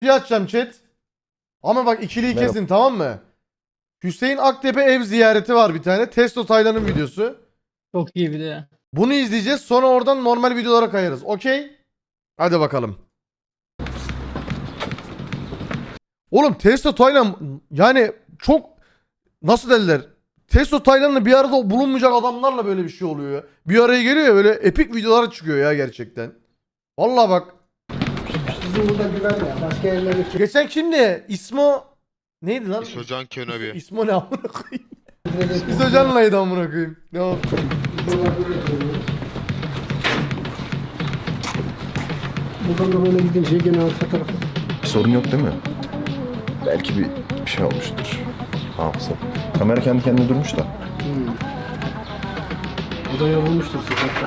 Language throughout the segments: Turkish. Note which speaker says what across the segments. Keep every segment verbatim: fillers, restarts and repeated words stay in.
Speaker 1: Bir açacağım chat. Ama bak ikiliyi
Speaker 2: Merhaba.
Speaker 1: kesin, tamam mı? Hüseyin Aktepe ev ziyareti var bir tane. Testo Taylan'ın videosu.
Speaker 3: Çok iyi bir de.
Speaker 1: Bunu izleyeceğiz. Sonra oradan normal videolara kayarız. Okey? Hadi bakalım. Oğlum Testo Taylan yani çok nasıl derler? Testo Taylan'la bir arada bulunmayacak adamlarla böyle bir şey oluyor ya. Bir araya geliyor ya, böyle epik videolar çıkıyor ya gerçekten. Vallahi bak.
Speaker 4: Bizim burada güven ya. Başka yerlere
Speaker 1: Geçen kimdi? İsmo neydi lan?
Speaker 5: İsocan Könebi.
Speaker 1: İsmo ne amına koyayım? Biz hocanlaydı amına koyayım. Ne oldu?
Speaker 4: buradan da böyle gidince gene arka tarafa.
Speaker 2: Bir sorun yok değil mi? Belki bir, bir şey olmuştur. Hafıza. Kamera kendi kendine durmuş da.
Speaker 4: O da yorulmuştur sıcakta.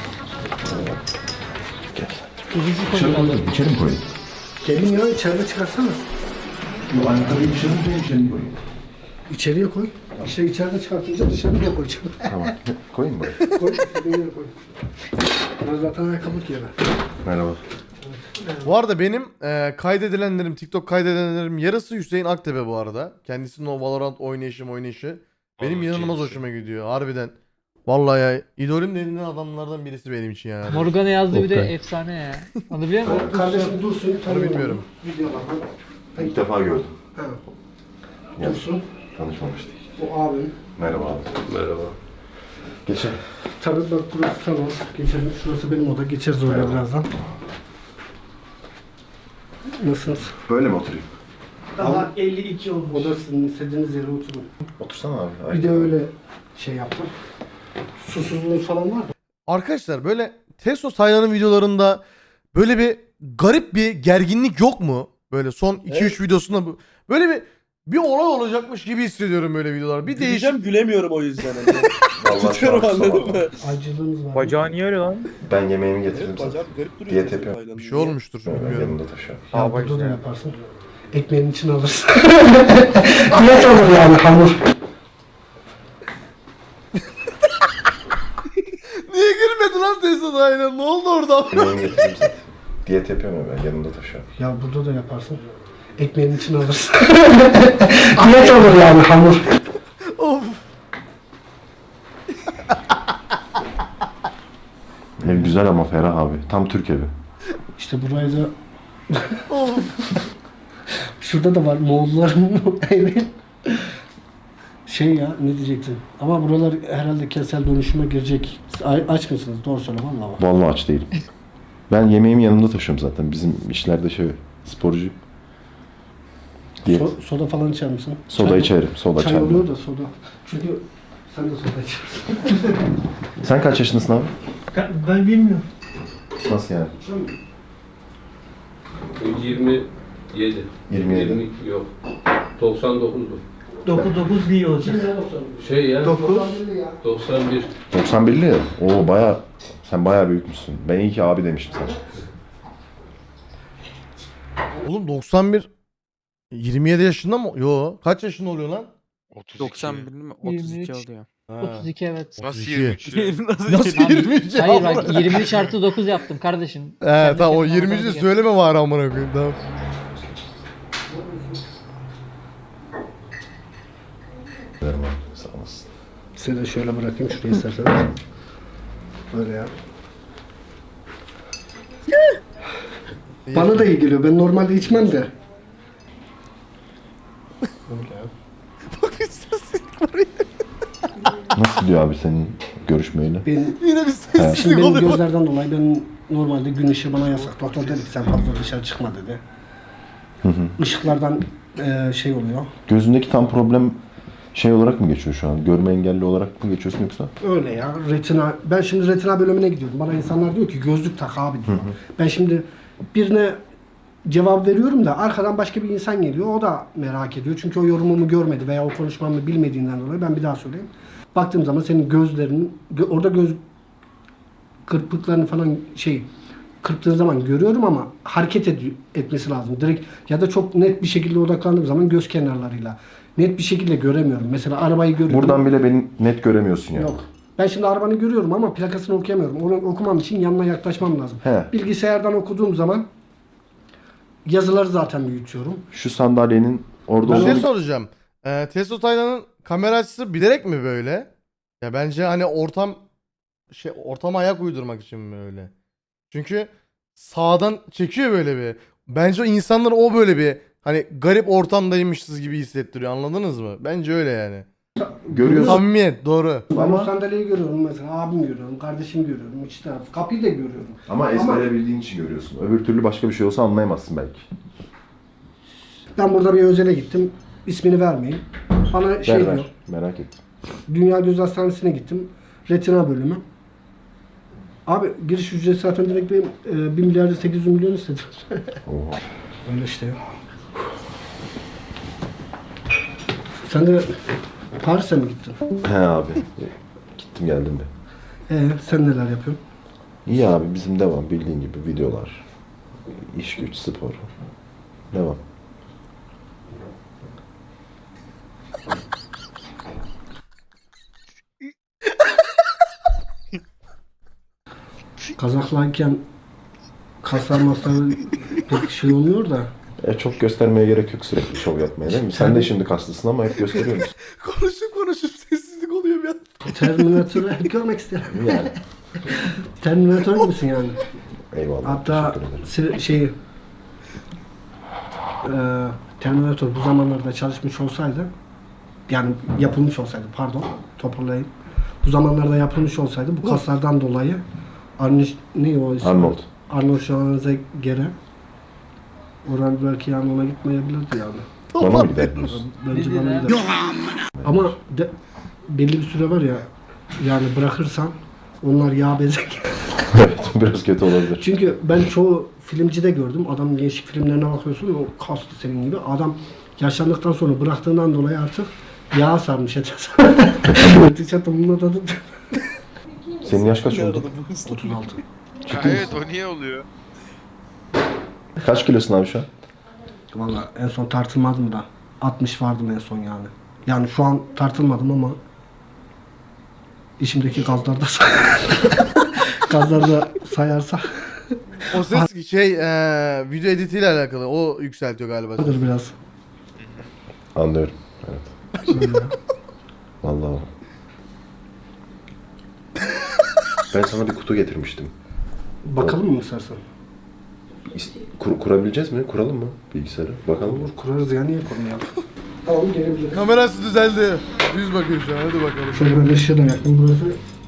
Speaker 2: Gel.
Speaker 3: Üzücü
Speaker 2: İçeri
Speaker 3: konular.
Speaker 2: koyayım, içeri mi koyayım?
Speaker 4: Gelin ya içeride çıkarsana.
Speaker 2: Yok, ayakkabıyı dışarı mı koyayım, içeri mi koyayım?
Speaker 4: İçeriye koy. İşte içeride çıkartınca dışarıya koyacağım.
Speaker 2: Tamam. Koyayım mı buraya?
Speaker 4: Koy, istediğin yere koy. Biraz zaten ayakkabılık yere.
Speaker 2: Merhaba.
Speaker 1: Bu arada benim e, kaydedilenlerim, TikTok kaydedenlerim yarısı Hüseyin Aktepe bu arada. Kendisinin o Valorant oynayışı oynayışı. Benim
Speaker 5: Vallahi
Speaker 1: inanılmaz
Speaker 5: keyifli.
Speaker 1: hoşuma gidiyor harbiden. Vallahi ya idolüm denilen adamlardan birisi benim için yani.
Speaker 3: Morgan'a yazdığı bir de
Speaker 2: Okay.
Speaker 3: efsane ya. Onu biliyor musun?
Speaker 4: Kardeşim Dursun.
Speaker 1: Onu bilmiyorum.
Speaker 4: Videolardan.
Speaker 2: İlk defa gördüm.
Speaker 4: Ha.
Speaker 2: Gel.
Speaker 4: Dursun.
Speaker 2: Tanışmamıştık.
Speaker 4: Bu abim.
Speaker 2: Merhaba abi. Merhaba. Geçelim.
Speaker 4: Tabii bak burası salon. Geçelim. Şurası benim oda. Geçeriz oraya
Speaker 2: Merhaba.
Speaker 4: birazdan. Nasılsınız?
Speaker 2: Böyle mi oturayım?
Speaker 4: Daha elli iki olmuş. O da sizin istediğiniz yere oturun.
Speaker 2: Otursana abi.
Speaker 4: Bir de öyle şey yaptım. Susuzluğunuz falan var mı?
Speaker 1: Arkadaşlar böyle Testo Taylan'ın videolarında böyle bir garip bir gerginlik yok mu? Böyle son iki üç videosunda bu- böyle bir bir olay olacakmış gibi hissediyorum böyle videolar. Bir değişik.
Speaker 6: Güleceğim, gülemiyorum o yüzden. Hani.
Speaker 2: Vallahi
Speaker 6: Tutuyorum,
Speaker 2: şu an
Speaker 6: anladın
Speaker 2: sabah.
Speaker 6: mı?
Speaker 4: Acılığınız var mı?
Speaker 7: Bacağı niye öyle lan?
Speaker 2: Ben yemeğimi getirdim
Speaker 6: Evet,
Speaker 2: sana.
Speaker 6: bacağım garip duruyor.
Speaker 2: Diyet
Speaker 6: senin
Speaker 2: yapıyorum.
Speaker 6: Tayland'ın.
Speaker 1: Bir şey olmuştur
Speaker 2: Ben
Speaker 1: bilmiyorum.
Speaker 2: yanımda taşıyorum.
Speaker 4: Ya
Speaker 7: Aa,
Speaker 4: burada da
Speaker 7: işte.
Speaker 4: yaparsın. Ekmeğin içine alırsın. Amet olur yani hamur.
Speaker 1: Niye gülmedi lan Testo Taylan? Ne oldu orada?
Speaker 2: Yemeğimi getirdim zaten. Diyet yapıyorum ya ben yanımda taşıyorum.
Speaker 4: Ya burada da yaparsın. Ekmeğin içine alırsın. Amet olur yani hamur.
Speaker 1: Of.
Speaker 2: Ev güzel ama ferah abi. Tam Türk evi.
Speaker 4: İşte burayı da
Speaker 1: Of.
Speaker 4: şurada da var Moğolların evi. Şey ya ne diyecektin? Ama buralar herhalde kentsel dönüşüme girecek. A- Aç mısınız? Doğru söyle vallahi bak.
Speaker 2: Vallahi aç değilim. Ben yemeğimi yanımda taşıyorum zaten. Bizim işlerde şey sporcu. Diyet.
Speaker 4: So- soda falan içer misin?
Speaker 2: Soda
Speaker 4: Çay-
Speaker 2: içerim. Soda
Speaker 4: Çay
Speaker 2: çay.
Speaker 4: oluyor da soda. Çünkü sen de soda içersin.
Speaker 2: Sen kaç yaşındasın abi?
Speaker 4: Ben bilmiyorum.
Speaker 2: Nasıl yani?
Speaker 8: yirmi yedi.
Speaker 2: yirmi yedi.
Speaker 8: yirmi iki yok. doksan dokuzdu.
Speaker 4: dokuz dokuz bir olacak.
Speaker 8: Şey ya.
Speaker 4: dokuz.
Speaker 8: doksan bir.
Speaker 2: doksan birli ya. Oo baya sen baya büyükmüşsün. Ben iyi ki abi demişim sana.
Speaker 1: Oğlum doksan bir yirmi yedi yaşında mı? Yo. Kaç yaşında oluyor lan?
Speaker 5: otuz iki.
Speaker 7: doksan bir mi? otuz iki
Speaker 3: yirmi üç.
Speaker 7: oluyor.
Speaker 1: Ha.
Speaker 3: otuz iki evet.
Speaker 5: Nasıl
Speaker 1: otuz iki.
Speaker 5: yirmi üç lira?
Speaker 1: Nasıl
Speaker 3: Abi,
Speaker 1: yirmi üç?
Speaker 3: Hayır bak yirmi üç artı dokuz yaptım kardeşim.
Speaker 1: He
Speaker 3: Kendi
Speaker 1: tamam o
Speaker 3: kendine
Speaker 1: yirmi üçü de
Speaker 3: anlamı
Speaker 1: söyleme var amına koyayım tamam.
Speaker 2: Derim abi. Sağ olasın.
Speaker 4: Size de şöyle bırakayım şuraya istersen. Böyle ya. Bana da iyi geliyor. Ben normalde içmem de. Böyle ya.
Speaker 2: Nasıl gidiyor abi senin görüşmeyle?
Speaker 4: Ben,
Speaker 1: Yine bir
Speaker 4: şimdi
Speaker 1: sessizlik
Speaker 4: benim
Speaker 1: oluyor.
Speaker 4: gözlerden dolayı ben normalde gün ışığı bana yasak. Doktor dedi ki sen fazla dışarı çıkma dedi.
Speaker 2: Hı hı.
Speaker 4: Işıklardan eee, şey oluyor.
Speaker 2: Gözündeki tam problem şey olarak mı geçiyor şu an? Görme engelli olarak mı geçiyorsun yoksa?
Speaker 4: Öyle ya. Retina. Ben şimdi retina bölümüne gidiyorum. Bana insanlar diyor ki gözlük tak abi diyor. Ben şimdi birine cevap veriyorum da arkadan başka bir insan geliyor. O da merak ediyor. Çünkü o yorumumu görmedi veya o konuşmamı bilmediğinden dolayı ben bir daha söyleyeyim. Baktığım zaman senin gözlerinin gö- orada göz kırpıklarını falan şey kırptığın zaman görüyorum ama hareket ed- etmesi lazım. Direkt ya da çok net bir şekilde odaklandığım zaman göz kenarlarıyla net bir şekilde göremiyorum. Mesela arabayı görüyorum.
Speaker 2: Buradan bile beni net göremiyorsun yani.
Speaker 4: Yok. Ben şimdi arabanı görüyorum ama plakasını okuyamıyorum. Onu okumam için yanına yaklaşmam lazım.
Speaker 2: He.
Speaker 4: Bilgisayardan okuduğum zaman Yazıları zaten büyütüyorum.
Speaker 2: Şu sandalyenin orada
Speaker 4: Ben
Speaker 1: Bir şey
Speaker 2: olduğunu
Speaker 1: soracağım. Ee, Testo Taylan'ın kamera açısı bilerek mi böyle? Ya bence hani ortam şey ortama ayak uydurmak için mi öyle? Çünkü sağdan çekiyor böyle bir. Bence o insanlar o böyle bir hani garip ortamdaymışız gibi hissettiriyor. Anladınız mı? Bence öyle yani.
Speaker 2: görüyorsun.
Speaker 1: Samimiyet doğru.
Speaker 4: Ben
Speaker 2: Ama-
Speaker 4: o sandalyeyi görüyorum mesela. Abim görüyorum, kardeşim görüyorum, iç taraf. Kapıyı da görüyorum.
Speaker 2: Ama ezbere bildiğin için görüyorsun. Öbür türlü başka bir şey olsa anlayamazsın belki.
Speaker 4: Ben burada bir özele gittim. İsmini vermeyeyim. Bana şey
Speaker 2: Ver
Speaker 4: diyor.
Speaker 2: ver. Merak ettim.
Speaker 4: Dünya Göz Hastanesi'ne gittim. Retina bölümü. Abi giriş ücreti zaten direkt benim e, bir milyar sekiz yüz milyon istediler.
Speaker 2: Oha.
Speaker 4: Öyle işte ya. Sen de Paris'e mi gittin?
Speaker 2: He abi. Gittim geldim de.
Speaker 4: Ee, sen neler yapıyorsun?
Speaker 2: İyi abi bizim devam bildiğin gibi videolar. İş güç spor. Devam.
Speaker 4: Kazaklarken kaslar maslar pek şey olmuyor da.
Speaker 2: E çok göstermeye gerek yok sürekli şov yapmaya değil mi? Sen de şimdi kaslısın ama hep gösteriyor musun?
Speaker 1: Konuşup konuşup sessizlik oluyor bir an.
Speaker 4: Terminatörü hep görmek isterim.
Speaker 2: Yani.
Speaker 4: Terminatör gibisin yani.
Speaker 2: Eyvallah.
Speaker 4: Hatta
Speaker 2: teşekkür ederim.
Speaker 4: si- şey e, Terminator bu zamanlarda çalışmış olsaydı, yani yapılmış olsaydı, pardon toparlayayım. Bu zamanlarda yapılmış olsaydı bu kaslardan dolayı Arnold ne o isim?
Speaker 2: Arnold.
Speaker 4: Arnold Schwarzenegger'e oran belki yani ona gitmeyebilirdi yani.
Speaker 2: Bana mı gider diyorsun?
Speaker 4: Bence
Speaker 3: Ne
Speaker 4: bana
Speaker 3: dedi
Speaker 4: gider. Ama de, belli bir süre var ya, yani bırakırsan onlar yağ bezek.
Speaker 2: Evet biraz kötü olabilir.
Speaker 4: Çünkü ben çoğu filmcide gördüm. Adamın gençlik filmlerine bakıyorsun, o kaslı senin gibi. Adam yaşlandıktan sonra bıraktığından dolayı artık yağ sarmış etrafı. Tişörtüm bununla da
Speaker 2: Senin yaş kaç oldu?
Speaker 4: otuz altı.
Speaker 2: Ciddi
Speaker 5: Evet
Speaker 2: misin?
Speaker 5: o niye oluyor?
Speaker 2: Kaç kilosun abi şu an?
Speaker 4: Valla en son tartılmadım da altmış vardım en son yani. Yani şu an tartılmadım ama işimdeki gazlarda say gazlarda sayarsa
Speaker 1: O ses şey eee, video editiyle alakalı. O yükseltiyor galiba.
Speaker 4: vardır biraz.
Speaker 2: Anlıyorum. Evet. Vallahi. Ben sana bir kutu getirmiştim.
Speaker 4: Bakalım mı istersen?
Speaker 2: İs- Kur- kurabileceğiz mi? Kuralım mı bilgisayarı? Bakalım.
Speaker 4: Olur kurarız ya, niye kurmayalım? Tamam gelebiliriz.
Speaker 1: Kamerası düzeldi. Düz bakıyor şu an. Hadi bakalım.
Speaker 4: Şöyle ben ışığı da yaktım burası.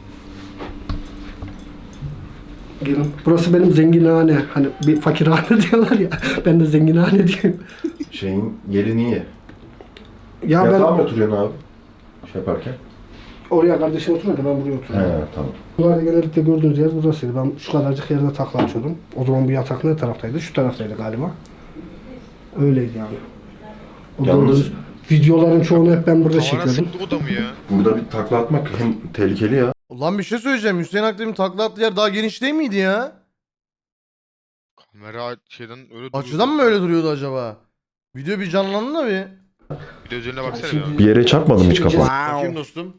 Speaker 4: Gelin. Burası benim zenginhane. Hani bir fakirhane diyorlar ya. Ben de zenginhane diyeyim.
Speaker 2: Şeyin yeri niye?
Speaker 4: Ya
Speaker 2: Yatağa
Speaker 4: ben
Speaker 2: mı oturuyorsun abi? Şey yaparken.
Speaker 4: oraya kardeşim oturmadı, ben buraya
Speaker 2: He
Speaker 4: oturuyorum.
Speaker 2: tamam.
Speaker 4: Bunlarda genellikle gördüğünüz yer burasıydı. Ben şu kadarcık yerde takla açıyordum. O zaman bu yatak ne taraftaydı? Şu taraftaydı galiba. Öyleydi yani. O
Speaker 2: Yalnız-
Speaker 4: gördüğünüz videoların çoğunu hep ben burada
Speaker 5: Tavana
Speaker 4: çekiyordum.
Speaker 5: sıktı o da mı ya?
Speaker 2: Burada bir takla atmak hem tehlikeli ya.
Speaker 1: Ulan bir şey söyleyeceğim. Hüseyin Akdem'in takla attığı yer daha geniş değil miydi ya?
Speaker 5: Kamera şeyden öyle duruyor.
Speaker 1: Açıdan mı öyle duruyordu acaba? Video bir canlandı da bir.
Speaker 5: Bir de özeline baksana
Speaker 4: Şimdi-
Speaker 5: ya.
Speaker 2: Bir yere çarpmadın mı hiç
Speaker 4: Şimdi-
Speaker 2: kafan?
Speaker 1: Bakayım dostum.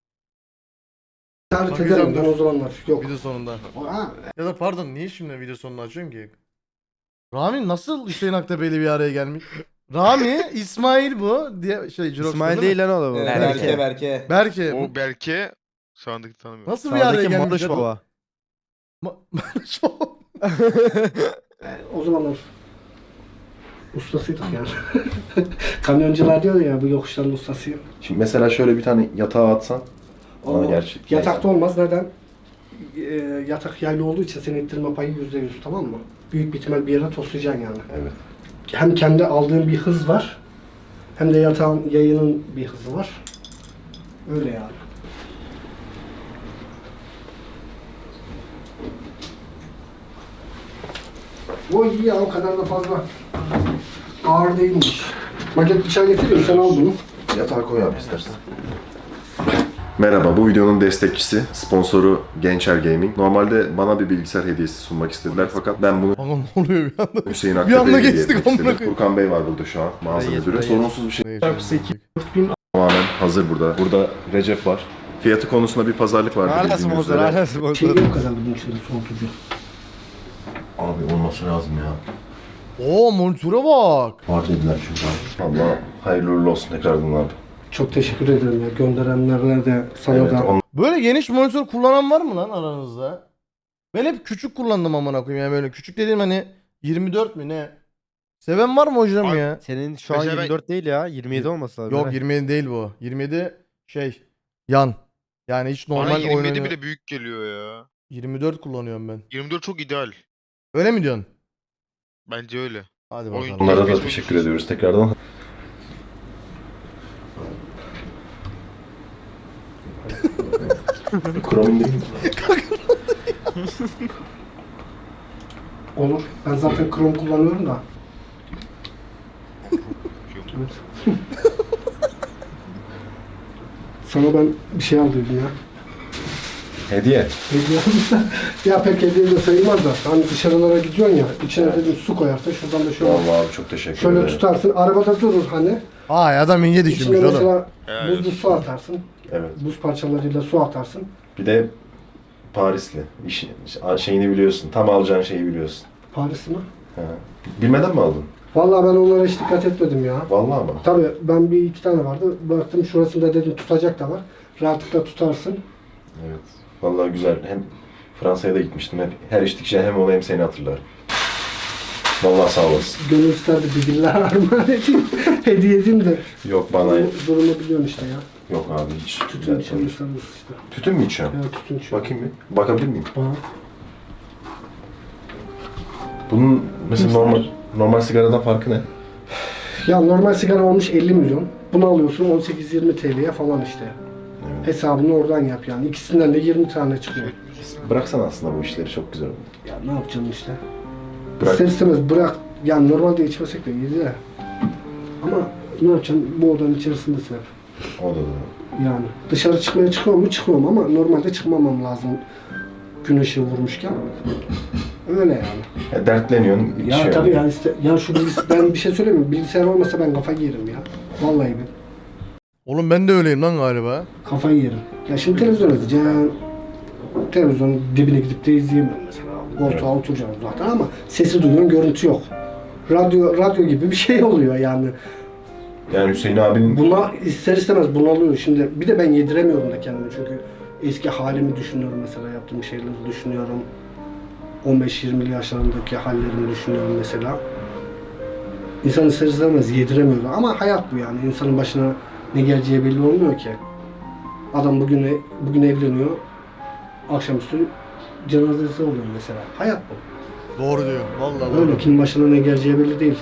Speaker 4: Tarif
Speaker 1: Bakacağım,
Speaker 4: ederim ben
Speaker 1: dur.
Speaker 4: o zamanlar. Yok.
Speaker 1: Video sonunda.
Speaker 4: Aa,
Speaker 1: Ya da pardon niye şimdi video sonunu açıyorsun ki? Rami nasıl Hüseyin Aktepe'yle bir araya gelmiş? Rami, İsmail bu diye şey Jirox
Speaker 7: İsmail değil lan o da bu.
Speaker 6: Berke Berke.
Speaker 1: Berke.
Speaker 5: O Berke sağındaki tanımıyorum.
Speaker 1: Nasıl bir araya
Speaker 7: Sağdaki
Speaker 1: gelmiş?
Speaker 7: Barış
Speaker 1: ya?
Speaker 7: Baba.
Speaker 1: Ma- Barış Baba.
Speaker 4: o zamanlar ustasıydık yani. Kamyoncular diyor ya, bu yokuşların ustasıyım.
Speaker 2: Şimdi mesela şöyle bir tane yatağa atsan.
Speaker 4: O
Speaker 2: Aa, gerçi-
Speaker 4: yatakta olmaz. Neden? Ee, yatak yaylı olduğu için senin ittirme payı yüzde yüz, tamam mı? Büyük bir ihtimal bir yere toslayacaksın yani.
Speaker 2: Evet.
Speaker 4: Hem kendi aldığın bir hız var, hem de yatağın yayının bir hızı var. Öyle yani. O iyi ya, o kadar da fazla ağır değilmiş. Maket bıçağı getireyim, sen al bunu.
Speaker 2: Yatağa koy abi istersen. Merhaba, bu videonun destekçisi, sponsoru Gençer Gaming. Normalde bana bir bilgisayar hediyesi sunmak istediler fakat ben bunu
Speaker 1: Kanka ne oluyor bir anda?
Speaker 2: Hüseyin
Speaker 1: Bir
Speaker 2: Aktepe'ye
Speaker 1: anda
Speaker 2: hediye
Speaker 1: geçtik,
Speaker 2: etmek
Speaker 1: amına
Speaker 2: istedim.
Speaker 1: koyayım.
Speaker 2: Furkan Bey var burada şu an, mağaza
Speaker 7: Dayı,
Speaker 2: müdürü.
Speaker 7: dayı.
Speaker 2: Sorunsuz bir şey.
Speaker 1: Neyse.
Speaker 2: Tamamen hazır burada. Burada Recep var. Fiyatı konusunda bir pazarlık var
Speaker 7: Hala
Speaker 2: bildiğiniz
Speaker 7: sponsor,
Speaker 2: üzere.
Speaker 7: hala
Speaker 4: Şey
Speaker 7: sponsor.
Speaker 4: yok kadar bunun içinde soğutucu.
Speaker 2: Abi olması lazım ya.
Speaker 1: Oo monitöre bak.
Speaker 2: Var dediler çünkü abi. Valla hayırlı uğurlu olsun tekrardan abi.
Speaker 4: Çok teşekkür ederim ya. Gönderenlerle de sana
Speaker 2: Evet,
Speaker 4: da.
Speaker 2: on-
Speaker 1: Böyle geniş monitör kullanan var mı lan aranızda? Ben hep küçük kullandım amına koyayım yani böyle küçük dediğim hani yirmi dört mü ne? Seven var mı hocam
Speaker 5: Abi,
Speaker 1: ya?
Speaker 7: Senin şu an
Speaker 5: Mesela ben-
Speaker 7: yirmi dört değil ya. yirmi yedi olması lazım.
Speaker 1: Yok
Speaker 7: Eray.
Speaker 1: yirmi yedi değil bu. yirmi yedi şey yan. Yani hiç
Speaker 5: Bana
Speaker 1: normal
Speaker 5: yirmi yedi
Speaker 1: oynanıyor.
Speaker 5: bile büyük geliyor ya.
Speaker 1: yirmi dört kullanıyorum ben.
Speaker 5: yirmi dört çok ideal.
Speaker 1: Öyle mi diyorsun?
Speaker 5: Bence öyle.
Speaker 1: Hadi
Speaker 5: Oyun-
Speaker 1: bakalım.
Speaker 2: Onlara da
Speaker 5: Geçmiş
Speaker 2: teşekkür
Speaker 5: olsun.
Speaker 2: ediyoruz tekrardan. Chrome değil mi?
Speaker 4: Olur. Ben zaten Chrome kullanıyorum da. Evet. Sana ben bir şey aldıydım ya.
Speaker 2: Hediye.
Speaker 4: Hediye aldım. Ya pek hediye de sayılmaz da. Hani dışarılara gidiyorsun ya. İçine dedim su koyarsın. Şuradan da şöyle,
Speaker 2: Vallahi abi çok teşekkür
Speaker 4: şöyle
Speaker 2: ederim.
Speaker 4: tutarsın. Arabada durur hani.
Speaker 1: Ay adam ince
Speaker 4: İçine
Speaker 1: düşünmüş oğlum.
Speaker 4: mesela
Speaker 5: Helal
Speaker 4: buzlu
Speaker 5: olsun.
Speaker 4: su atarsın.
Speaker 2: Evet.
Speaker 4: Buz parçalarıyla su atarsın.
Speaker 2: Bir de Parisli. İşi, şeyini biliyorsun. Tam alacağın şeyi biliyorsun.
Speaker 4: Paris mi?
Speaker 2: Ha. Bilmeden mi aldın?
Speaker 4: Vallahi ben onlara hiç dikkat etmedim ya.
Speaker 2: Vallahi mı?
Speaker 4: Tabii ben bir iki tane vardı. Baktım şurasında dedim tutacak da var. Rahatlıkla tutarsın.
Speaker 2: Evet. Vallahi güzel. Hem Fransa'ya da gitmiştim. Hep her içtikçe hem onu hem seni hatırlarım. Vallahi sağ olasın.
Speaker 4: Gönül isterdi bir diller armağan edeyim. Hediye edeyim de.
Speaker 2: Yok bana
Speaker 4: Durumu, durumu biliyorsun işte ya.
Speaker 2: yok abi hiç.
Speaker 4: Tütün
Speaker 2: Ben-
Speaker 4: içiyorsanız işte.
Speaker 2: Tütün mü içiyorsun?
Speaker 4: Ya tütün içiyor.
Speaker 2: Bakayım bir. Bakabilir miyim?
Speaker 4: Bana.
Speaker 2: Bunun mesela normal normal sigaradan farkı ne?
Speaker 4: Ya normal sigara olmuş elli milyon. Bunu alıyorsun on sekiz yirmi T L'ye falan işte.
Speaker 2: Evet.
Speaker 4: Hesabını oradan yap yani. İkisinden de yirmi tane çıkıyor.
Speaker 2: Bıraksan aslında bu işleri çok güzel olur.
Speaker 4: Ya ne yapacaksın işte.
Speaker 2: Bırak.
Speaker 4: İster istemez bırak. Yani normalde içmesek de iyiydi de. Ama ne yapacaksın? Bu odanın içerisindesin hep.
Speaker 2: O da doğru.
Speaker 4: Yani dışarı çıkmaya çıkıyor mu? Çıkıyorum ama normalde çıkmamam lazım. Gün ışığı vurmuşken. Öyle yani.
Speaker 2: Ya dertleniyorsun.
Speaker 4: Ya
Speaker 2: şey
Speaker 4: tabii
Speaker 2: oluyor.
Speaker 4: ya işte ya şu bilgis ben bir şey söyleyeyim mi? Bilgisayar olmasa ben kafayı yerim ya. Vallahi ben
Speaker 1: Oğlum ben de öyleyim lan galiba.
Speaker 4: kafayı yerim. Ya şimdi televizyon izleyeceğim. Televizyonun dibine gidip de izleyemem mesela. Koltuğa oturacağım zaten ama sesi duyuyorum, görüntü yok. Radyo radyo gibi bir şey oluyor yani.
Speaker 2: Yani Hüseyin abinin
Speaker 4: Buna ister istemez bunalıyor. Şimdi bir de ben yediremiyorum da kendimi çünkü eski halimi düşünüyorum mesela, yaptığım şeyleri düşünüyorum. on beş yirmili yaşlarındaki hallerimi düşünüyorum mesela. İnsan ister istemez yediremiyor da. Ama hayat bu yani. İnsanın başına ne geleceği belli olmuyor ki. Adam bugün bugün evleniyor. Akşamüstü cenazesi oluyor mesela. Hayat bu.
Speaker 1: Doğru diyor. Vallahi doğru.
Speaker 4: Öyle kimin başına ne geleceği belli değil.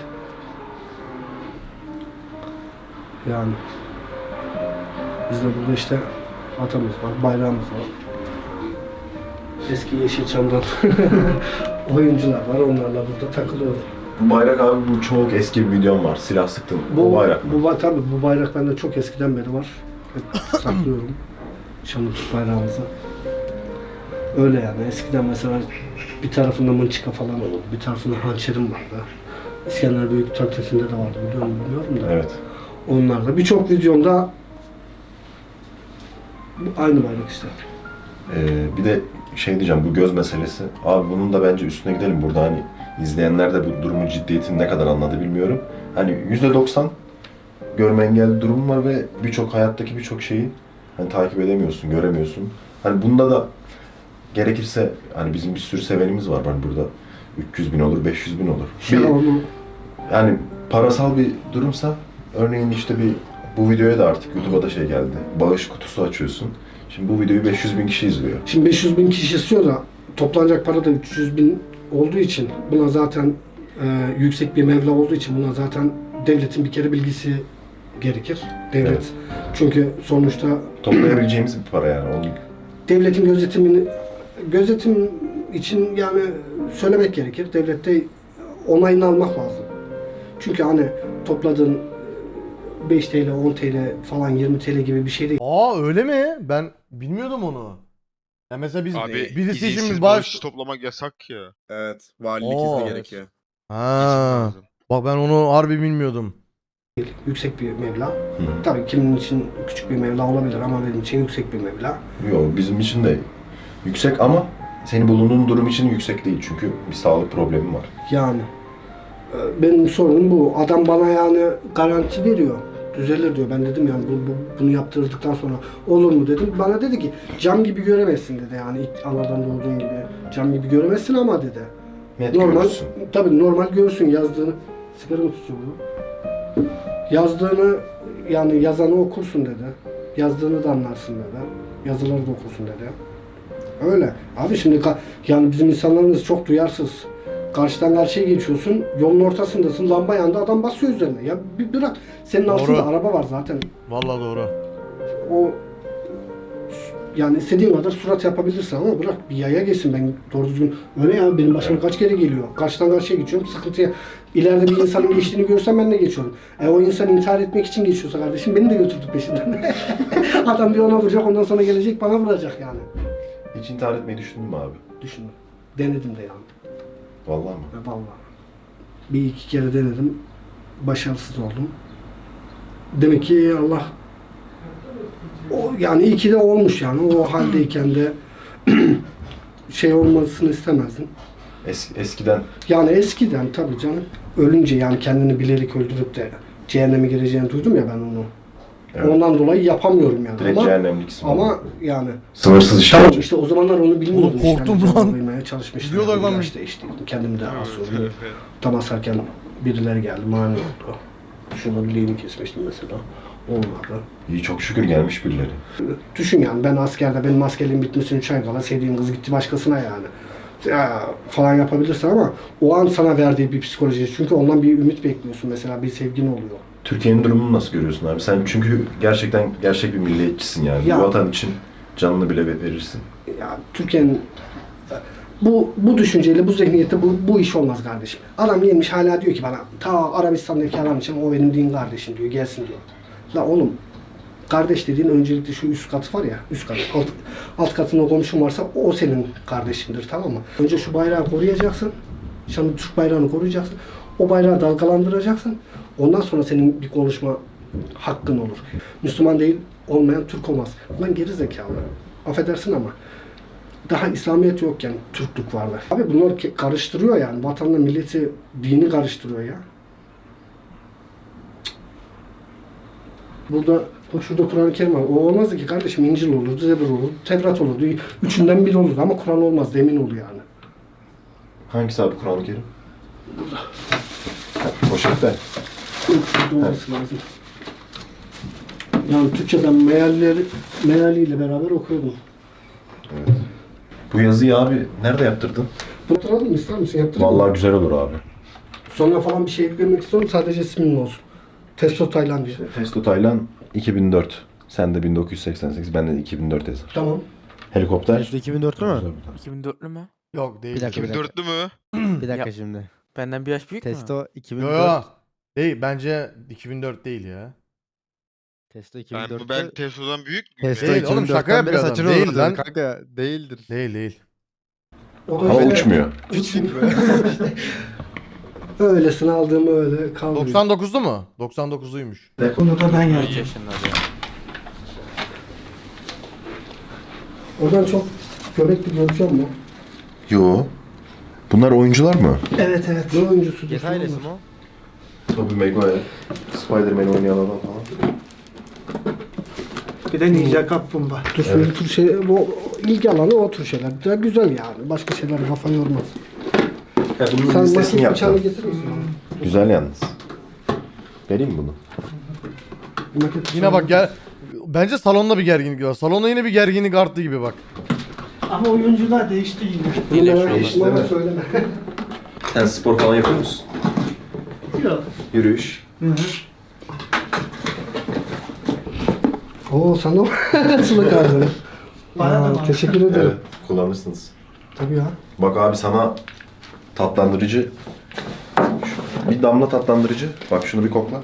Speaker 4: Yani biz de burada işte atamız var, bayrağımız var. Eski Yeşilçam'dan oyuncular var, onlarla burada takılıyoruz.
Speaker 2: bu bayrak abi bu çok eski bir videom var. Silah sıktım. Bu,
Speaker 4: Bu
Speaker 2: bayrak mı?
Speaker 4: Bu, ba- tabii bu bayrak bende çok eskiden beri var. Hep saklıyorum. Şanlı Türk bayrağımızı. Öyle yani. Eskiden mesela bir tarafında mınçıka falan olurdu. Bir tarafında hançerim vardı. İskender Büyük Taktisinde de vardı. Biliyor musun bilmiyorum da.
Speaker 2: Evet.
Speaker 4: Onlarda. Birçok videomda bu aynı bayrak işte.
Speaker 2: Ee, bir de şey diyeceğim bu göz meselesi. Abi bunun da bence üstüne gidelim. Burada hani izleyenler de bu durumun ciddiyetini ne kadar anladı bilmiyorum. Hani yüzde doksan görme engelli durum var ve birçok hayattaki birçok şeyi hani takip edemiyorsun, göremiyorsun. Hani bunda da gerekirse hani bizim bir sürü sevenimiz var. Hani burada üç yüz bin olur, beş yüz bin olur.
Speaker 4: Ya
Speaker 2: Bir,
Speaker 4: onu
Speaker 2: yani parasal bir durumsa örneğin işte bir bu videoya da artık YouTube'a da şey geldi. Bağış kutusu açıyorsun. Şimdi bu videoyu beş yüz bin kişi izliyor.
Speaker 4: Şimdi beş yüz bin kişi istiyor da toplanacak para da üç yüz bin olduğu için buna zaten e, yüksek bir meblağ olduğu için buna zaten devletin bir kere bilgisi gerekir. Devlet.
Speaker 2: Evet.
Speaker 4: Çünkü sonuçta
Speaker 2: Toplayabileceğimiz bir para yani. Onu
Speaker 4: devletin gözetimini gözetim için yani söylemek gerekir. Devlette onayını almak lazım. Çünkü hani topladığın beş T L, on T L falan yirmi T L gibi bir şey değil.
Speaker 1: Aa öyle mi? Ben bilmiyordum onu. Ya mesela biz
Speaker 5: Abi
Speaker 1: birisi için
Speaker 5: izinsiz
Speaker 1: bir
Speaker 5: bağış
Speaker 1: bağış...
Speaker 5: toplamak yasak ya.
Speaker 6: Evet. Valilik
Speaker 1: Oo.
Speaker 6: izni gerekiyor.
Speaker 1: Ha.
Speaker 5: lazım.
Speaker 1: Bak ben onu harbi bilmiyordum.
Speaker 4: Yüksek bir meblağ.
Speaker 2: Hı.
Speaker 4: Tabii kimin için küçük bir meblağ olabilir ama benim için yüksek bir meblağ.
Speaker 2: yok bizim için de yüksek ama senin bulunduğun durum için yüksek değil. Çünkü bir sağlık problemi var.
Speaker 4: Yani Ee, Benim sorunum bu. Adam bana yani garanti veriyor. Düzelir diyor. Ben dedim yani bu, bu- bunu yaptırdıktan sonra olur mu dedim. Bana dedi ki cam gibi göremezsin dedi yani ilk anadan doğduğun gibi. Cam gibi göremezsin ama dedi.
Speaker 2: Net
Speaker 4: Normal,
Speaker 2: görürsün.
Speaker 4: tabii normal görürsün yazdığını. Sigara mı tutuyor bu? Yazdığını yani yazanı okursun dedi. Yazdığını da anlarsın dedi. Yazıları da okursun dedi. Öyle. Abi şimdi ka- yani bizim insanlarımız çok duyarsız. Karşıdan karşıya geçiyorsun, yolun ortasındasın, lamba yandı, adam basıyor üzerine. Ya bir bırak, senin
Speaker 1: Doğru.
Speaker 4: altında araba var zaten.
Speaker 1: Vallahi doğru.
Speaker 4: O yani istediğin kadar surat yapabilirsin ama bırak bir yaya geçsin, ben doğru düzgün öyle ya, benim başıma kaç kere geliyor. Karşıdan karşıya geçiyorum, sıkıntıya ileride bir insanın geçtiğini görsem ben de geçiyorum. E o insan intihar etmek için geçiyorsa kardeşim beni de götürdü peşinden. Adam bir ona vuracak, ondan sonra gelecek bana vuracak yani.
Speaker 2: Hiç intihar etmeyi düşündün mü abi?
Speaker 4: Düşünün. Denedim de yani.
Speaker 2: Vallahi mı?
Speaker 4: Ya vallahi. Bir iki kere denedim. Başarısız oldum. Demek ki Allah o yani iyi ki de olmuş yani. O haldeyken de şey olmasını istemezdim.
Speaker 2: Es, eskiden
Speaker 4: Yani eskiden tabii canım. Ölünce yani kendini bilerek öldürüp de cehenneme gireceğini duydum ya ben onu.
Speaker 2: evet,
Speaker 4: Ondan dolayı yapamıyorum yani.
Speaker 2: direkt
Speaker 4: Ama,
Speaker 2: cehennemliksin.
Speaker 4: ama yani
Speaker 2: Sınırsız
Speaker 4: tamam
Speaker 2: işkence.
Speaker 4: işte o zamanlar onu bilmiyordum.
Speaker 1: Oğlum korktum
Speaker 4: işte.
Speaker 1: lan.
Speaker 4: Yani cevap vermeye çalışmıştım.
Speaker 1: Gidiyorlar lan.
Speaker 4: Ya işte işte kendimi de
Speaker 5: Evet,
Speaker 4: asıyorum.
Speaker 5: evet.
Speaker 4: Tam asarken birileri geldi, mani oldu. Şurada bileğini kesmiştim mesela. Olmadı.
Speaker 2: İyi, çok şükür gelmiş birileri.
Speaker 4: Düşün yani ben askerde benim askerliğim bitmesini üç ay kala sevdiğim kız gitti başkasına yani. Ya, falan yapabilirsin ama o an sana verdiği bir psikoloji. Çünkü ondan bir ümit bekliyorsun mesela, bir sevgin oluyor.
Speaker 2: Türkiye'nin durumunu nasıl görüyorsun abi? Sen çünkü gerçekten gerçek bir milliyetçisin yani.
Speaker 4: Ya.
Speaker 2: Bu vatan için canını bile verirsin.
Speaker 4: Ya Türkiye'nin bu bu düşünceyle, bu zihniyette bu, bu iş olmaz kardeşim. Adam gelmiş hala diyor ki bana ta Arabistan'daki adam için o benim din kardeşim diyor, gelsin diyor. La oğlum, kardeş dediğin öncelikle şu üst katı var ya, üst kat, alt, alt katında komşun varsa o senin kardeşindir, tamam mı? Önce şu bayrağı koruyacaksın, şimdi Türk bayrağını koruyacaksın, o bayrağı dalgalandıracaksın, ondan sonra senin bir konuşma hakkın olur. Müslüman değil olmayan Türk olmaz. Lan geri zekalı, affedersin ama daha İslamiyet yokken Türklük vardı. Abi bunlar ke- karıştırıyor yani, vatanla milleti, dini karıştırıyor ya. Burada bak şurada Kur'an-ı Kerim var. O olmazdı ki kardeşim, İncil olurdu, Zebur olurdu, Tevrat olurdu. Üçünden biri olurdu ama Kur'an olmaz, emin ol yani.
Speaker 2: Hangisi abi Kur'an-ı Kerim? Poşette.
Speaker 4: Şurada olması lazım. Yani Türkçeden mealleri, mealiyle beraber okuyordum.
Speaker 2: Evet. Bu yazıyı abi nerede yaptırdın?
Speaker 4: Bunu hatırladın mı? İster misin? Yaptırayım mı?
Speaker 2: Vallahi güzel olur abi.
Speaker 4: Sonra falan bir şey eklemek istiyorum, sadece ismin olsun. Testo Taylan diye.
Speaker 2: Testo Taylan iki bin dört. Sen de bin dokuz yüz seksen sekiz, ben de iki bin dört yazar.
Speaker 4: Tamam.
Speaker 2: Helikopter.
Speaker 7: Testo iki bin dörtlü mü?
Speaker 9: iki bin dörtlü mü?
Speaker 1: Yok değil.
Speaker 7: Bir dakika, bir dakika.
Speaker 5: Dörtlü mü?
Speaker 7: Bir dakika
Speaker 9: Ya-
Speaker 7: şimdi.
Speaker 9: Benden bir yaş büyük mü?
Speaker 7: Testo iki bin
Speaker 1: Yo
Speaker 7: dört.
Speaker 1: yo. Değil bence iki bin dört değil ya.
Speaker 7: Testo
Speaker 5: Ben,
Speaker 7: iki bin dörtte.
Speaker 5: ben Tesla'dan büyük müyüm?
Speaker 7: Testo
Speaker 1: Değil oğlum,
Speaker 7: iki bin dörtten
Speaker 1: şaka yapıyor
Speaker 7: beri
Speaker 1: adam.
Speaker 7: saçını
Speaker 1: Değil
Speaker 7: uzatıyor.
Speaker 1: lan.
Speaker 7: Kanka değildir.
Speaker 1: Değil değil.
Speaker 4: O
Speaker 2: Ama
Speaker 4: işte-
Speaker 2: uçmuyor.
Speaker 4: Öylesine aldığımı öyle kaldırıyor.
Speaker 1: doksan dokuzlu mu? doksan dokuzluymuş.
Speaker 4: Bunu da ben
Speaker 9: Kaç yaşında ya?
Speaker 4: Oradan çok göbekli gözüküyor mu?
Speaker 2: Yo. Bunlar oyuncular mı?
Speaker 4: Evet evet. Ne oyuncusu?
Speaker 7: Get ailesi mi o?
Speaker 2: Tobey Maguire. Spider-Man oynayan adam falan.
Speaker 10: Bir de Ninja Kaplumbağa.
Speaker 4: Dur evet. Tür şey, bu ilgi alanı o tür şeyler. De güzel yani. Başka şeyler kafa yormaz.
Speaker 2: Ya bunun
Speaker 4: Sen
Speaker 2: listesini
Speaker 4: makine bıçağını
Speaker 2: yaptım.
Speaker 4: getirir misin?
Speaker 2: Güzel yalnız. Vereyim mi bunu?
Speaker 4: Makine bıçağını-
Speaker 1: Yine bak gel. Bence salonda bir gerginlik var. Salonda yine bir gerginlik arttı gibi bak.
Speaker 10: Ama oyuncular değişti yine.
Speaker 4: Bunlara
Speaker 2: Değişti,
Speaker 4: bana
Speaker 2: değil mi?
Speaker 4: söyleme.
Speaker 2: Sen spor falan yapıyor musun?
Speaker 10: Yok.
Speaker 2: Yürüyüş.
Speaker 10: Hı hı.
Speaker 4: Oo sana sıla kardın.
Speaker 10: Bana da var.
Speaker 4: Teşekkür ederim.
Speaker 2: Evet, kullanırsınız.
Speaker 4: Tabii ya.
Speaker 2: Bak abi sana tatlandırıcı, bir damla tatlandırıcı. Bak şunu bir kokla.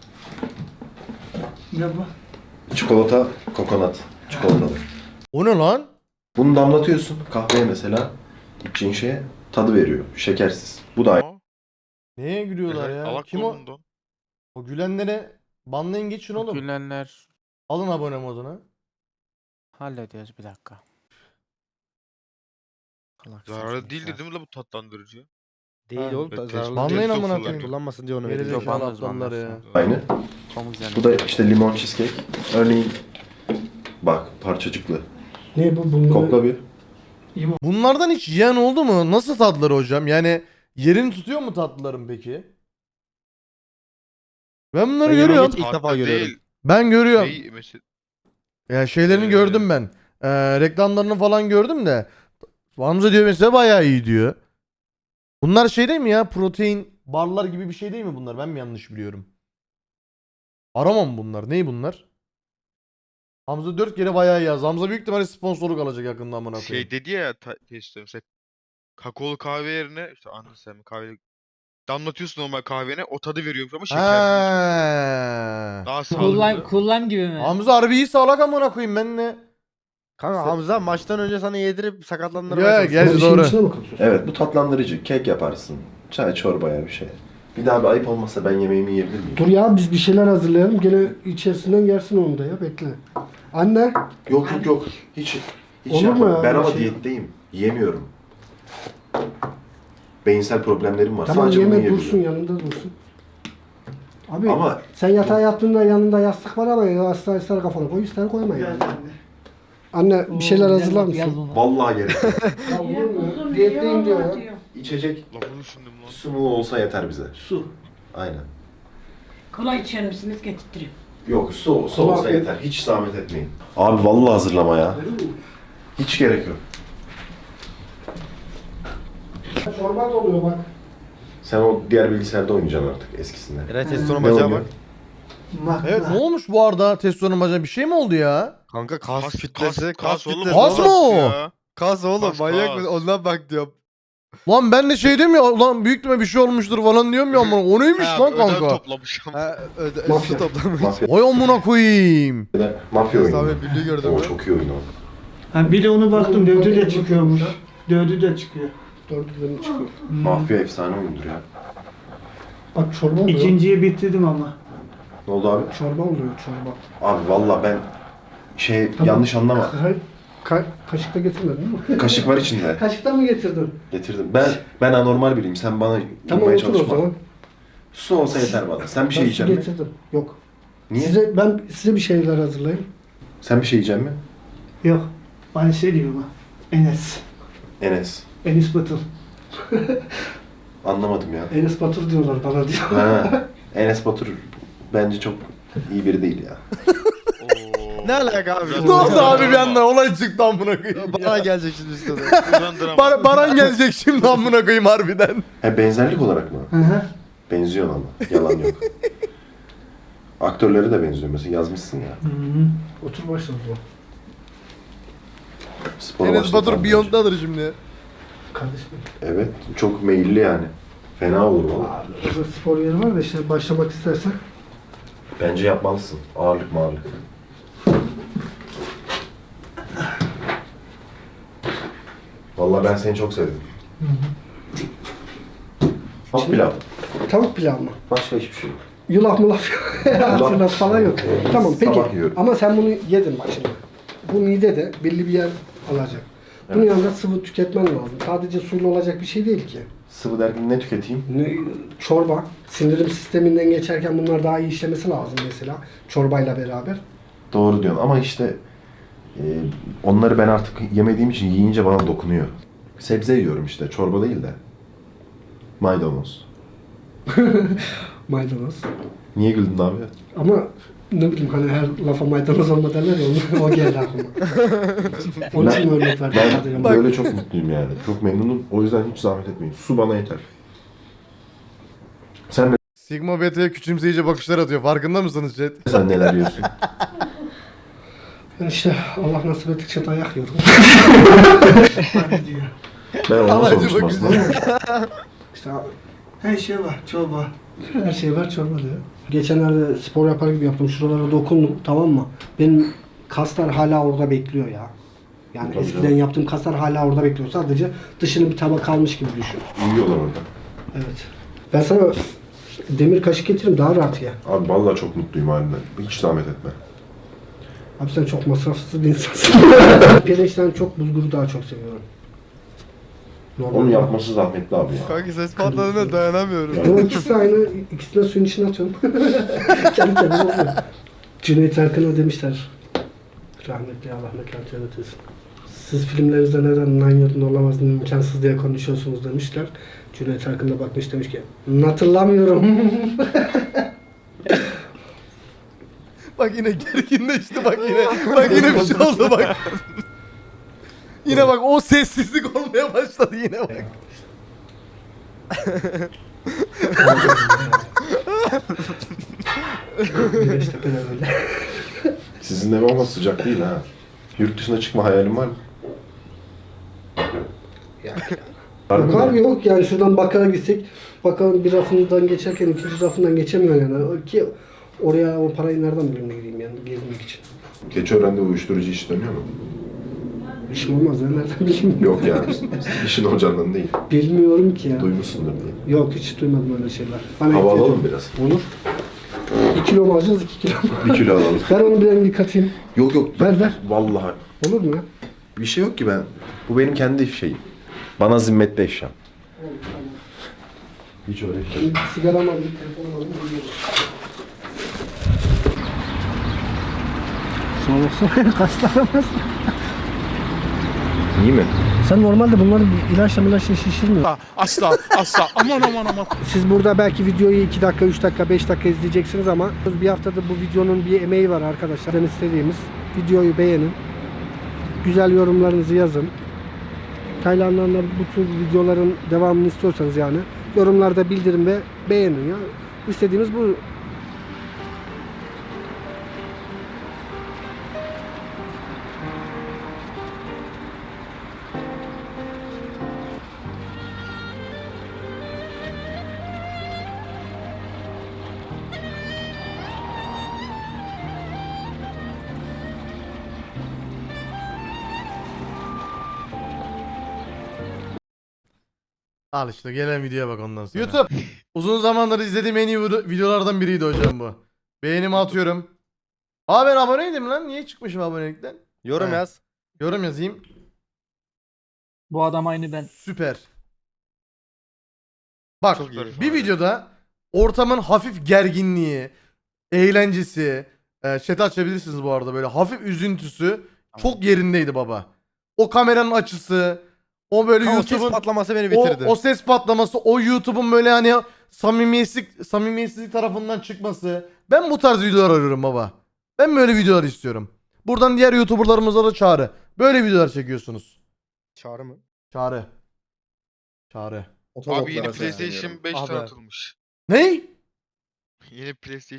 Speaker 10: Ne bu?
Speaker 2: Çikolata, kokonat. Çikolatalı.
Speaker 1: O ne lan?
Speaker 2: Bunu damlatıyorsun kahveye mesela. İçeceğin şeye tadı veriyor. Şekersiz. Bu da aynı.
Speaker 5: Aa,
Speaker 1: Neye gülüyorlar ya?
Speaker 5: Alak
Speaker 1: Kim o?
Speaker 5: burnundan.
Speaker 1: O gülenlere banlayın geçin oğlum.
Speaker 9: Gülenler
Speaker 1: Alın abone modunu.
Speaker 9: hallediyoruz bir dakika. Salak
Speaker 5: Zararlı
Speaker 9: saçma
Speaker 5: değildi
Speaker 9: işler.
Speaker 5: değil mi la bu tatlandırıcı?
Speaker 7: Değil
Speaker 1: Ha.
Speaker 7: oğlum.
Speaker 5: Evet,
Speaker 7: zararlı.
Speaker 1: banlayın
Speaker 7: Testo
Speaker 1: amına
Speaker 7: kullan-
Speaker 1: koyayım.
Speaker 7: Kullanmasın diye onu
Speaker 1: Geri
Speaker 7: veriyorum.
Speaker 1: zekalı
Speaker 9: banlarız,
Speaker 1: aptallar
Speaker 9: banlarız.
Speaker 1: ya.
Speaker 2: Aynı.
Speaker 9: Pamuk yani.
Speaker 2: Bu da işte limon cheesecake. Örneğin bak parçacıklı.
Speaker 4: Ne bu? Bunları...
Speaker 2: Kokla bir.
Speaker 1: Bunlardan hiç yiyen oldu mu? Nasıl tatlıları hocam? Yani yerini tutuyor mu tatlıların peki? Ben bunları
Speaker 7: Ben
Speaker 1: görüyorum.
Speaker 7: yemeği İlk defa
Speaker 5: Tatlı
Speaker 7: görüyorum.
Speaker 5: değil.
Speaker 1: Ben görüyorum.
Speaker 5: Şey, mesela,
Speaker 1: Ya şeylerini
Speaker 5: Ee,
Speaker 1: gördüm ben. Ee, reklamlarını falan gördüm de. Hamza diyor mesela bayağı iyi diyor. Bunlar şey değil mi ya? Protein barlar gibi bir şey değil mi bunlar? Ben mi yanlış biliyorum? Aramam bunlar. Ney bunlar? Hamza dört kere bayağı iyi yaz. Hamza büyük ihtimalle sponsorluk alacak yakında amına koyayım.
Speaker 5: şey dedi ya ta- testo mesela kakaolu kahve yerine işte anladın sen mi kahve damlatıyorsun normal kahvene o tadı veriyormuş ama şekersiz içiyorsun.
Speaker 1: He.
Speaker 5: Daha
Speaker 3: Cool lime,
Speaker 5: sağlıklı.
Speaker 3: cool lime gibi mi?
Speaker 1: Hamza harbi iyi sağlak amına koyayım ben ne?
Speaker 7: Kanka Hamza maçtan önce sana yedirip
Speaker 1: Ya,
Speaker 7: sakatlandırmaya
Speaker 1: gel-
Speaker 7: çalışıyor.
Speaker 1: Gerçi
Speaker 4: Bir şeyin
Speaker 1: doğru.
Speaker 4: içine mi katıyorsun?
Speaker 2: Evet bu tatlandırıcı. Kek yaparsın. Çay çorba ya bir şey. Bir daha bir ayıp olmazsa ben yemeğimi yiyebilir miyim?
Speaker 4: Dur ya biz bir şeyler hazırlayalım. Gene içerisinden gelsin onu da ya. Bekle. Anne.
Speaker 2: Yok yok yok. Hiç hiç
Speaker 4: Olur mu
Speaker 2: yapmam.
Speaker 4: ya
Speaker 2: Ben
Speaker 4: öyle
Speaker 2: ama
Speaker 4: şey?
Speaker 2: diyetteyim. Yiyemiyorum. Beyinsel problemlerim var.
Speaker 4: Tamam
Speaker 2: Sadece bunu
Speaker 4: yeme
Speaker 2: yiyebiliyorum.
Speaker 4: dursun yanında dursun. Abi
Speaker 2: Ama
Speaker 4: sen yatağa yattığında yanında yastık var ama yastığa ister kafana koy ister koyma yani.
Speaker 10: Gel anne.
Speaker 4: Anne bir şeyler
Speaker 3: Oo,
Speaker 4: hazırlar
Speaker 3: yaz- yaz
Speaker 4: mısın?
Speaker 3: onu.
Speaker 2: vallahi gerek yok.
Speaker 4: Ya olur mu? Diyetteyim diyor ya.
Speaker 2: İçecek
Speaker 5: Lafını düşündüm lan.
Speaker 2: su mu olsa yeter bize.
Speaker 10: Su.
Speaker 2: Aynen.
Speaker 10: Kola içer misiniz? Getirtireyim.
Speaker 2: Yok su, su
Speaker 4: Kola-
Speaker 2: olsa yeter. Hiç zahmet etmeyin. Abi vallahi hazırlama ya. Hiç gerek yok.
Speaker 4: Çorba doluyor bak.
Speaker 2: Sen o diğer bilgisayarda oynayacaksın artık eskisinden.
Speaker 7: Eray testosteron
Speaker 2: Ne
Speaker 7: bacağı
Speaker 2: oluyor?
Speaker 7: bak.
Speaker 10: Bak,
Speaker 1: Evet
Speaker 10: bak.
Speaker 1: ne olmuş bu arada testosteron bacana bir şey mi oldu ya?
Speaker 7: Kanka kas,
Speaker 5: Kas,
Speaker 7: kütlesi,
Speaker 5: kas,
Speaker 7: kas,
Speaker 5: kas oğlum.
Speaker 7: kütlesi.
Speaker 1: Kas mı o?
Speaker 5: Ya.
Speaker 7: Kas oğlum
Speaker 5: Kas,
Speaker 7: manyak
Speaker 5: kas.
Speaker 7: mısın? Ondan bak diyorum.
Speaker 1: Lan ben de şey diyorum ya lan büyük ihtimalle bir şey olmuştur falan diyorum ya amına. O neymiş
Speaker 5: Ha,
Speaker 1: lan
Speaker 5: ödem
Speaker 1: kanka?
Speaker 5: toplamış ama.
Speaker 7: Ha, öde,
Speaker 4: Mafya.
Speaker 7: su toplamış.
Speaker 2: Mafya,
Speaker 1: Oy amına koyayım.
Speaker 2: mafya oyunu.
Speaker 7: Abi birliği gördün
Speaker 2: O
Speaker 7: mü?
Speaker 2: çok iyi oyun o.
Speaker 10: Ha, bir de onu baktım dördü de çıkıyormuş. Dördü de çıkıyor.
Speaker 4: Dördünden çıkıyor.
Speaker 2: Mafya efsane oyundur ya.
Speaker 4: Bak çorba oluyor.
Speaker 10: İkinciyi bitirdim ama.
Speaker 2: Ne oldu abi?
Speaker 4: Çorba oluyor çorba.
Speaker 2: Abi valla ben şey
Speaker 4: Tamam.
Speaker 2: yanlış anlama.
Speaker 4: Ka- ka- kaşıkta getirmedin değil mi?
Speaker 2: Kaşık var içinde.
Speaker 4: Kaşıktan mı getirdin?
Speaker 2: Getirdim. Ben ben anormal biriyim. Sen bana
Speaker 4: Tamam
Speaker 2: uymaya
Speaker 4: otur o
Speaker 2: çalışma.
Speaker 4: zaman.
Speaker 2: Su olsa yeter bana. Sen bir şey
Speaker 4: Ben su
Speaker 2: yiyecek misin?
Speaker 4: getirdim. Yok.
Speaker 2: Niye?
Speaker 4: Size, ben size bir şeyler hazırlayayım.
Speaker 2: Sen bir şey yiyecek misin?
Speaker 10: Yok. Bana şey diyor ama. Enes.
Speaker 2: Enes.
Speaker 10: Enes Batur.
Speaker 2: Anlamadım ya.
Speaker 4: Enes Batur diyorlar bana diyor.
Speaker 2: Ha. Enes Batur bence çok iyi biri değil ya.
Speaker 5: Oo.
Speaker 7: Ne alaka abi?
Speaker 5: Güzel
Speaker 1: Ne oldu
Speaker 5: drama.
Speaker 1: abi bir anda olay çıktı amına koyayım
Speaker 7: Bana
Speaker 1: ya.
Speaker 7: gelecek şimdi üstüne.
Speaker 5: Güzel drama.
Speaker 1: Bar- Baran gelecek şimdi amına koyayım harbiden.
Speaker 2: He benzerlik olarak mı?
Speaker 10: Hı hı.
Speaker 2: Benziyor ama. Yalan yok. Aktörleri de benziyor mesela yazmışsın ya.
Speaker 10: Hı hı.
Speaker 4: Otur başla o zaman.
Speaker 2: Spor
Speaker 1: Enes
Speaker 2: başlatan
Speaker 1: Batur
Speaker 2: bence.
Speaker 1: Beyond'dadır şimdi.
Speaker 4: Kardeşim.
Speaker 2: Evet. Çok meyilli yani. Fena olur valla.
Speaker 4: Burada spor yeri var da işte başlamak istersen.
Speaker 2: Bence yapmalısın. Ağırlık mağırlık. Vallahi ben seni çok sevdim. Tavuk pilav.
Speaker 4: Tavuk pilav mı?
Speaker 2: Başka hiçbir şey yok.
Speaker 4: Yulaf mulaf yok. Hatırlat falan yok. Tamam peki.
Speaker 2: Sabah yiyorum.
Speaker 4: Ama sen bunu yedin bak şimdi. Bu midede belli bir yer alacak. Bunun
Speaker 2: Evet.
Speaker 4: yanında sıvı tüketmen lazım. Sadece suyla olacak bir şey değil ki.
Speaker 2: Sıvı derken ne tüketeyim?
Speaker 4: Ne, çorba, sindirim sisteminden geçerken bunlar daha iyi işlemesi lazım mesela. Çorbayla beraber.
Speaker 2: Doğru diyorsun ama işte e, onları ben artık yemediğim için yiyince bana dokunuyor. Sebze yiyorum işte. Çorba değil de. Maydanoz.
Speaker 4: Maydanoz.
Speaker 2: Niye güldün abi?
Speaker 4: Ama ne bileyim hani her lafa maydanoz olma derler ya onu- o geldi aklıma. Onun için örnek verdim.
Speaker 2: Ben
Speaker 4: sadece.
Speaker 2: böyle çok mutluyum yani. Çok memnunum. O yüzden hiç zahmet etmeyin. Su bana yeter. Sen
Speaker 1: Sigma Beta'ya küçümseyici bakışlar atıyor. Farkında mısınız chat?
Speaker 2: sen neler yiyorsun?
Speaker 4: Ben işte Allah nasip ettikçe dayak yiyorum.
Speaker 10: Bana diyor.
Speaker 2: Ben onu
Speaker 1: Ama
Speaker 2: sormuştum
Speaker 1: acaba
Speaker 2: aslında.
Speaker 4: İşte
Speaker 10: Her şey var. Çorba.
Speaker 4: her şey var çorba diyor. Geçenlerde spor yapar gibi yaptım. Şuralara dokundum tamam mı? Benim kaslar hala orada bekliyor ya. Yani
Speaker 2: Tabii
Speaker 4: eskiden
Speaker 2: canım.
Speaker 4: yaptığım kaslar hala orada bekliyor. Sadece dışının bir tabak kalmış gibi düşün.
Speaker 2: Uyuyorlar orada.
Speaker 4: Evet. Ben sana demir kaşık getiririm daha rahat ye.
Speaker 2: Abi vallahi çok mutluyum halinden. Hiç zahmet etme.
Speaker 4: Abi sen çok masrafsız bir insansın. Pirinçten çok bulguru daha çok seviyorum. Normal.
Speaker 2: Onu yapması zahmetli abi ya.
Speaker 7: Kanka ses patladığına dayanamıyorum.
Speaker 4: Ama ikisi de aynı. İkisini de suyun içine atıyorum. Kendi kendine oluyor. Cüneyt Arkın'a demişler. Rahmetli Allah mekan cennet etsin. Siz filmlerinizde neden Nanyod'un olamaz imkansız diye konuşuyorsunuz demişler. Cüneyt Arkın da bakmış demiş ki hatırlamıyorum.
Speaker 1: Bak yine gerginleşti bak yine. Bak yine bir şey oldu bak. Yine bak o sessizlik olmaya başladı yine bak.
Speaker 4: Güneştepe'de böyle.
Speaker 2: Sizin ev ama sıcak değil ha. Yurt dışına çıkma hayalin var mı? Var
Speaker 4: Yok
Speaker 2: mı?
Speaker 4: abi yok yani şuradan bakkala gitsek bakkalın bir rafından geçerken ikinci rafından geçemiyor yani. Ki oraya o parayı nereden bulayım da gideyim yani gezmek için.
Speaker 2: Keçiören'de uyuşturucu iş dönüyor mu?
Speaker 4: İşim olmaz ya nereden bileyim.
Speaker 2: Yok yani. İşin hocandan değil.
Speaker 4: Bilmiyorum ki ya.
Speaker 2: Duymuşsundur diye.
Speaker 4: Yok hiç duymadım öyle şeyler. Bana
Speaker 2: Hava
Speaker 4: ihtiyacım-
Speaker 2: alalım biraz.
Speaker 4: Olur. Bir kilo mu alacağız iki kilo mu?
Speaker 2: Bir kilo alalım.
Speaker 4: Ver onu bir rengi katayım.
Speaker 2: Yok yok.
Speaker 4: Ver ver.
Speaker 2: Vallahi.
Speaker 4: Olur mu ya?
Speaker 2: Bir şey yok ki ben. Bu benim kendi şeyim. Bana zimmetli eşyam. Hiç öyle şey.
Speaker 4: Bir sigaram alayım, telefonum alayım. geliyorum. Şuna baksana kaslanamaz.
Speaker 2: İyi mi?
Speaker 4: Sen normalde bunları bir ilaçla ilaçla şişirmiyorsun.
Speaker 10: Asla asla aman aman aman.
Speaker 4: Siz burada belki videoyu iki dakika, üç dakika, beş dakika izleyeceksiniz ama bir haftadır bu videonun bir emeği var arkadaşlar. Ben istediğimiz videoyu beğenin. Güzel yorumlarınızı yazın. Tayland'dan da bu tür videoların devamını istiyorsanız yani yorumlarda bildirin ve beğenin ya. İstediğimiz bu.
Speaker 1: Al işte gelen videoya bak ondan sonra. YouTube. Uzun zamandır izlediğim en iyi video- videolardan biriydi hocam bu. Beğenimi atıyorum. Aa ben aboneydim lan. Niye çıkmışım abonelikten?
Speaker 7: Yorum
Speaker 1: He.
Speaker 7: yaz.
Speaker 1: Yorum yazayım.
Speaker 3: Bu adam aynı ben.
Speaker 1: Süper. Bak
Speaker 5: Çok iyi.
Speaker 1: bir videoda ortamın hafif gerginliği, eğlencesi, e, chat açabilirsiniz bu arada böyle hafif üzüntüsü çok yerindeydi baba. O kameranın açısı, o böyle
Speaker 7: Kanka o ses
Speaker 1: YouTube'un
Speaker 7: patlaması beni
Speaker 1: o,
Speaker 7: bitirdi.
Speaker 1: o ses patlaması, o YouTube'un böyle hani samimiyetsizlik, samimiyetsizlik tarafından çıkması. Ben bu tarz videolar arıyorum baba. Ben böyle videolar istiyorum. Buradan diğer YouTuber'larımıza da çağrı. Böyle videolar çekiyorsunuz.
Speaker 7: Çağrı mı?
Speaker 1: Çağrı. Çağrı.
Speaker 5: Abi yeni PlayStation beş
Speaker 7: Abi.
Speaker 5: tanıtılmış.
Speaker 1: Ney?
Speaker 5: Yeni PlayStation